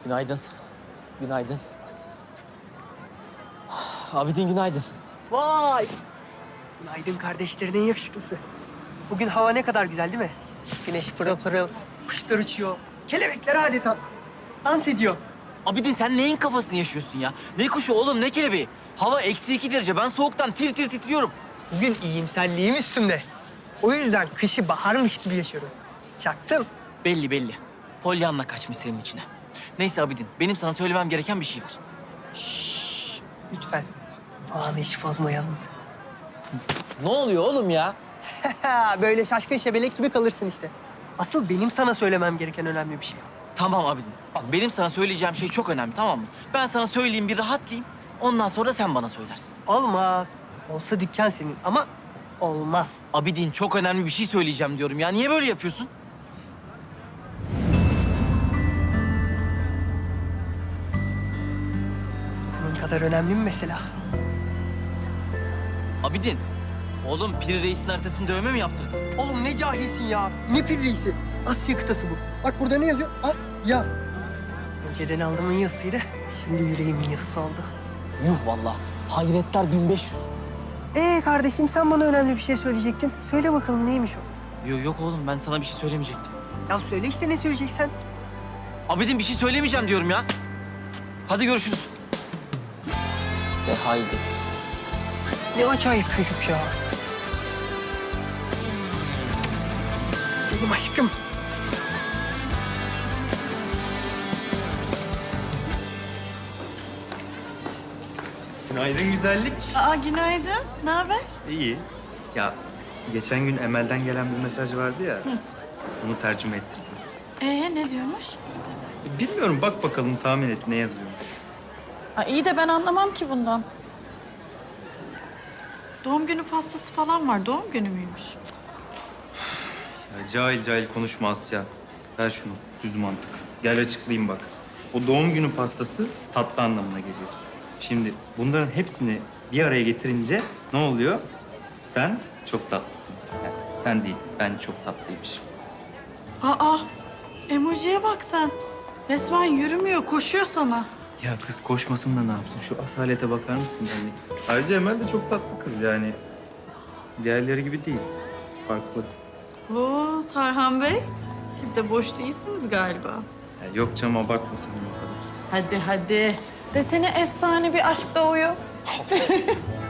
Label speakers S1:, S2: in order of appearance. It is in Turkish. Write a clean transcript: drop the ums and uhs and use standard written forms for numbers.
S1: Günaydın. Günaydın. Abidin günaydın.
S2: Vay! Günaydın kardeşlerinin yakışıklısı. Bugün hava ne kadar güzel değil mi? Güneş pırıl pırıl, kuşlar uçuyor. Kelebekler adeta dans ediyor.
S1: Abidin sen neyin kafasını yaşıyorsun ya? Ne kuşu oğlum ne kelebeği? Hava -2 derece. Ben soğuktan tir tir titriyorum.
S2: Bugün iyimserliğim üstümde. O yüzden kışı baharmış gibi yaşıyorum. Çaktın.
S1: Belli belli. Polyanna kaçmış senin içine. Neyse Abidin benim sana söylemem gereken bir şey var.
S2: Lütfen. Anı hiç bozmayalım.
S1: Ne oluyor oğlum ya?
S2: Böyle şaşkın şebelek gibi kalırsın işte. Asıl benim sana söylemem gereken önemli bir şey.
S1: Tamam Abidin. Bak benim sana söyleyeceğim şey çok önemli tamam mı? Ben sana söyleyeyim bir rahatlayayım. Ondan sonra da sen bana söylersin.
S2: Olmaz. Olsa dükkan senin ama olmaz.
S1: Abidin çok önemli bir şey söyleyeceğim diyorum ya. Niye böyle yapıyorsun?
S2: Bunun kadar önemli mi mesela?
S1: Abidin. Oğlum Piri Reis'in haritasını dövme mi yaptırdın?
S2: Oğlum ne cahilsin ya. Ne pir reisi? Asya kıtası bu. Bak burada ne yazıyor? Asya. Önceden aldığımın yazısıydı. Şimdi yüreğimin yazısı oldu.
S1: Yuh vallahi. Hayretler 1500.
S2: Kardeşim sen bana önemli bir şey söyleyecektin. Söyle bakalım neymiş o?
S1: Yok oğlum ben sana bir şey söylemeyecektim.
S2: Ya söyle işte ne söyleyeceksen.
S1: Abidin bir şey söylemeyeceğim diyorum ya. Hadi görüşürüz. Ve haydi.
S2: Ne acayip çocuk ya. Benim aşkım.
S3: Günaydın güzellik.
S4: Aa günaydın. Ne haber?
S3: İyi. Ya geçen gün Emel'den gelen bir mesaj vardı ya. Onu tercüme ettirdim.
S4: Ne diyormuş?
S3: Bilmiyorum bak bakalım tahmin et ne yazıyormuş.
S4: Aa, iyi de ben anlamam ki bundan. Doğum günü pastası falan var. Doğum günü müymüş?
S3: Ya cahil cahil konuşma Asya. Ver şunu düz mantık. Gel açıklayayım bak. O doğum günü pastası tatlı anlamına geliyor. Şimdi bunların hepsini bir araya getirince ne oluyor? Sen çok tatlısın. Yani sen değil, ben çok tatlıymışım.
S4: Aa emojiye bak sen. Resmen yürümüyor, koşuyor sana.
S3: Ya kız koşmasın da ne yapsın? Şu asalete bakar mısın yani? Ayrıca Emel de çok tatlı kız yani. Diğerleri gibi değil. Farklı.
S4: Oo Tarhan Bey, siz de boş değilsiniz galiba.
S3: Ya yok canım abartma sen o kadar.
S4: Hadi hadi. Desene efsane bir aşk doğuyor.